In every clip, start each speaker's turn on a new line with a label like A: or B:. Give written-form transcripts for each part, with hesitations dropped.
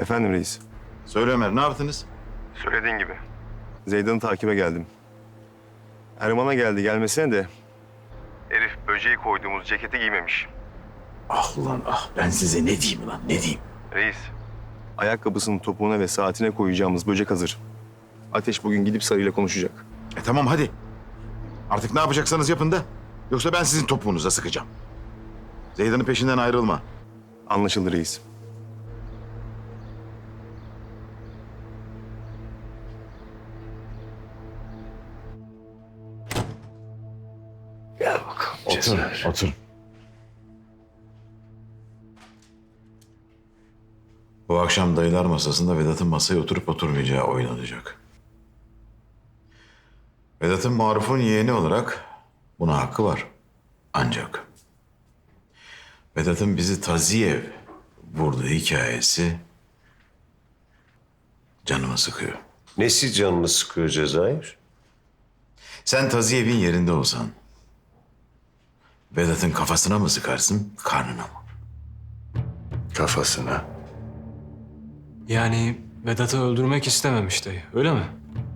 A: Efendim reis.
B: Söyle Ömer, ne yaptınız?
A: Söylediğin gibi. Zeydan'ı takibe geldim. Erman'a geldi gelmesine de... Herif böceği koyduğumuz ceketi giymemiş.
B: Ah ulan ah, ben size ne diyeyim lan, ne diyeyim?
A: Reis, ayakkabısının topuğuna ve saatine koyacağımız böcek hazır. Ateş bugün gidip Sarı'yla konuşacak.
B: Tamam hadi. Artık ne yapacaksanız yapın da. Yoksa ben sizin topuğunuza sıkacağım. Zeydan'ın peşinden ayrılma.
A: Anlaşıldı reis.
B: Gel bakalım. Otur. Bu akşam dayılar masasında Vedat'ın masaya oturup oturmayacağı oynanacak. Vedat'ın Maruf'un yeğeni olarak buna hakkı var. Ancak Vedat'ın bizi Taziyev vurduğu hikayesi canımı sıkıyor.
C: Nesi canını sıkıyor Cezayir?
B: Sen Taziyev'in yerinde olsan Vedat'ın kafasına mı sıkarsın, karnına mı?
C: Kafasına.
D: Yani Vedat'ı öldürmek istememiş dayı, öyle mi?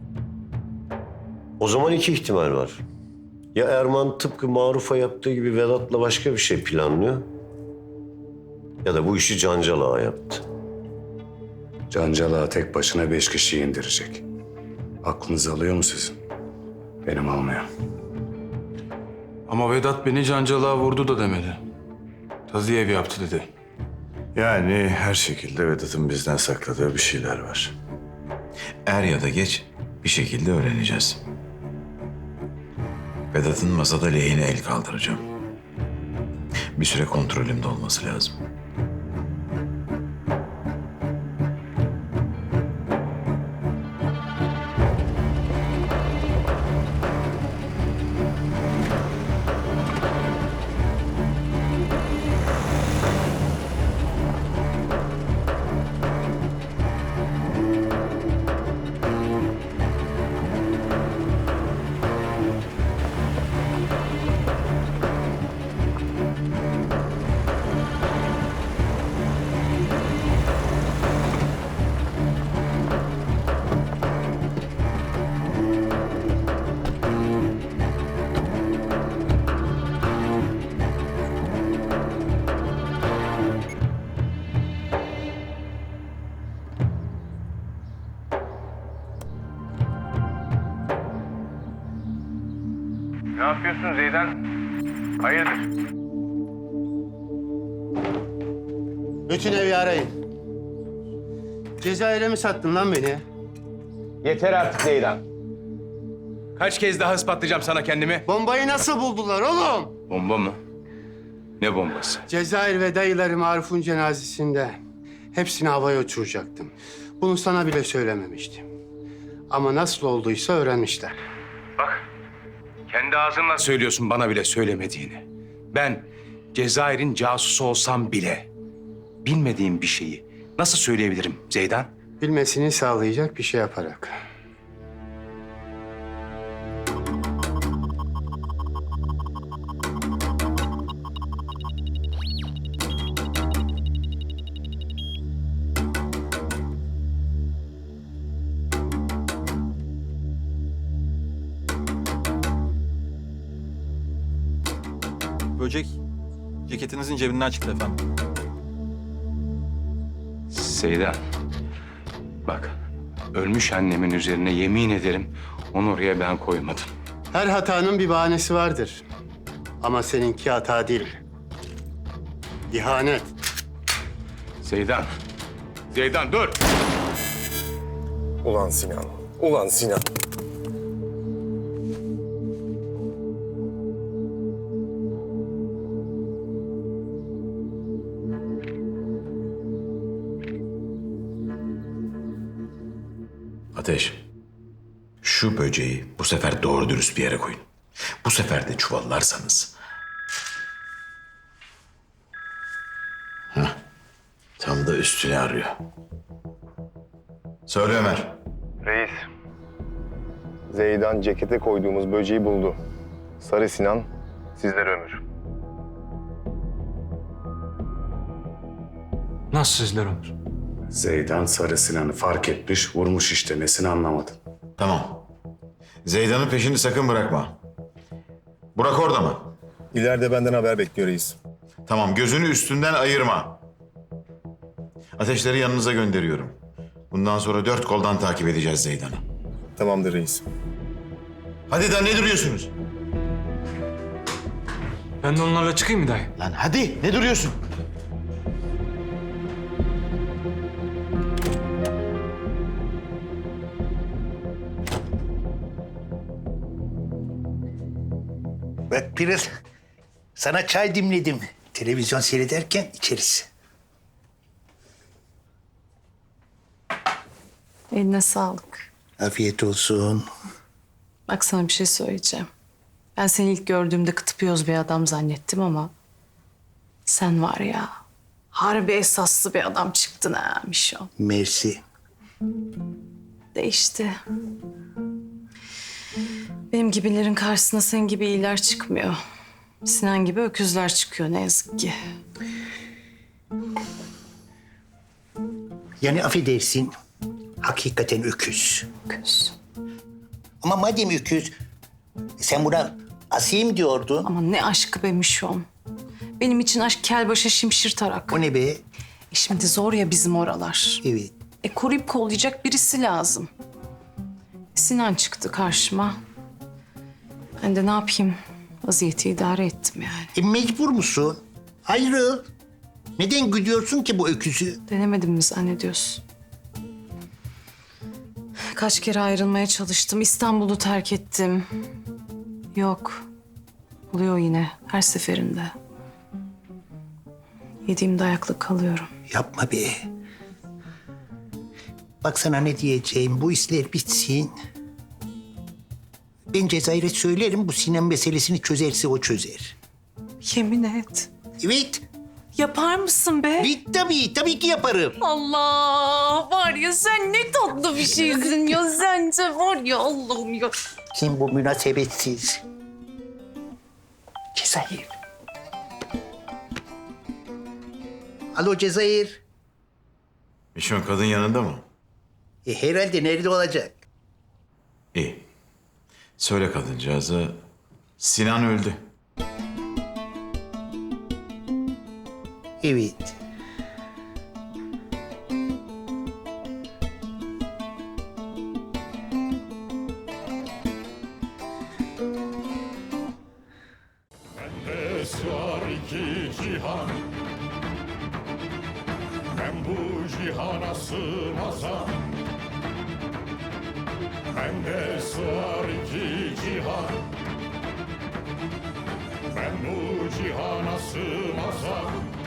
C: O zaman iki ihtimal var. Ya Erman tıpkı Maruf'a yaptığı gibi Vedat'la başka bir şey planlıyor. Ya da bu işi Cancalak'a yaptı.
E: Cancalak'a tek başına 5 kişiyi indirecek. Aklınız alıyor mu sizin? Benim almıyor.
F: Ama Vedat beni Cancalak'a vurdu da demedi. Taziyev yaptı dedi.
G: Yani her şekilde Vedat'ın bizden sakladığı bir şeyler var.
B: Er ya da geç bir şekilde öğreneceğiz. Vedat'ın masada lehine el kaldıracağım. Bir süre kontrolümde olması lazım.
A: Ne yapıyorsun Zeydan? Hayırdır?
H: Bütün evi arayın. Cezayir'e mi sattın lan beni?
I: Yeter artık Zeydan. Kaç kez daha ispatlayacağım sana kendimi?
H: Bombayı nasıl buldular oğlum?
I: Bomba mı? Ne bombası?
H: Cezayir ve dayıları Maruf'un cenazesinde hepsini havaya uçuracaktım. Bunu sana bile söylememiştim. Ama nasıl olduysa öğrenmişler.
I: Kendi ağzınla söylüyorsun bana bile söylemediğini. Ben Cezayir'in casusu olsam bile bilmediğim bir şeyi nasıl söyleyebilirim Zeydan?
H: Bilmesini sağlayacak bir şey yaparak.
J: Böcek ceketinizin cebinden çıktı efendim.
I: Zeydan, bak ölmüş annemin üzerine yemin ederim onu oraya ben koymadım.
H: Her hatanın bir bahanesi vardır. Ama seninki hata değil. İhanet.
I: Zeydan, Zeydan dur!
A: Ulan Sinan, ulan Sinan.
B: Ateş, şu böceği bu sefer doğru dürüst bir yere koyun. Bu sefer de çuvallarsanız. Tam da üstüne arıyor. Söyle Ömer.
A: Reis, Zeydan cekete koyduğumuz böceği buldu. Sarı Sinan, sizlere ömür.
D: Nasıl sizler Ömür?
E: Zeydan Sarı Sinan'ı fark etmiş, vurmuş işte. Nesini anlamadın?
B: Tamam. Zeydan'ın peşini sakın bırakma. Burak orada mı?
A: İleride benden haber bekliyor reis.
B: Tamam, gözünü üstünden ayırma. Ateşleri yanınıza gönderiyorum. Bundan sonra 4 koldan takip edeceğiz Zeydan'ı.
A: Tamamdır reis.
B: Hadi da ne duruyorsunuz?
D: Ben de onlarla çıkayım mı dayı?
B: Lan hadi, ne duruyorsun?
K: Bak Pırıl, sana çay dimledim. Televizyon seyrederken içeriz.
L: Eline sağlık.
K: Afiyet olsun.
L: Bak sana bir şey söyleyeceğim. Ben seni ilk gördüğümde kıtıp yoz bir adam zannettim ama... sen var ya, harbi esaslı bir adam çıktın ha Mişo.
K: Mersi.
L: Değişti. Benim gibilerin karşısına senin gibi iyiler çıkmıyor. Sinan gibi öküzler çıkıyor ne yazık ki.
K: Yani affedersin, hakikaten öküz.
L: Öküz.
K: Ama madem öküz, sen buna asayım diyordun.
L: Ama ne aşkı be Mişo'm. Benim için aşk kel başa şimşir tarak.
K: O ne be?
L: Şimdi zor ya bizim oralar.
K: Evet.
L: Koruyup kollayacak birisi lazım. Sinan çıktı karşıma. Ben de ne yapayım? Vaziyeti idare ettim yani.
K: Mecbur musun? Ayrıl. Neden güdüyorsun ki bu öküzü?
L: Denemedim mi zannediyorsun? Kaç kere ayrılmaya çalıştım. İstanbul'u terk ettim. Yok. Oluyor yine her seferinde. Yediğim dayakla kalıyorum.
K: Yapma be. Bak sana ne diyeceğim. Bu işler bitsin. Ben Cezayir'e söylerim. Bu Sinan meselesini çözerse o çözer.
L: Yemin et.
K: Evet.
L: Yapar mısın be?
K: Tabii ki yaparım.
L: Allah! Var ya sen ne tatlı bir şeysin ya. Sen de var ya Allah'ım ya.
K: Kim bu münasebetsiz? Cezayir. Alo Cezayir.
B: Mişon kadın yanında mı?
K: Herhalde nerede olacak?
B: İyi. Söyle kadıncağıza, Sinan öldü.
K: Evet.
M: Bende sığar iki cihan, ben bu cihana sığmazam. Bende sığar iki cihan, ben bu cihana sığmazam.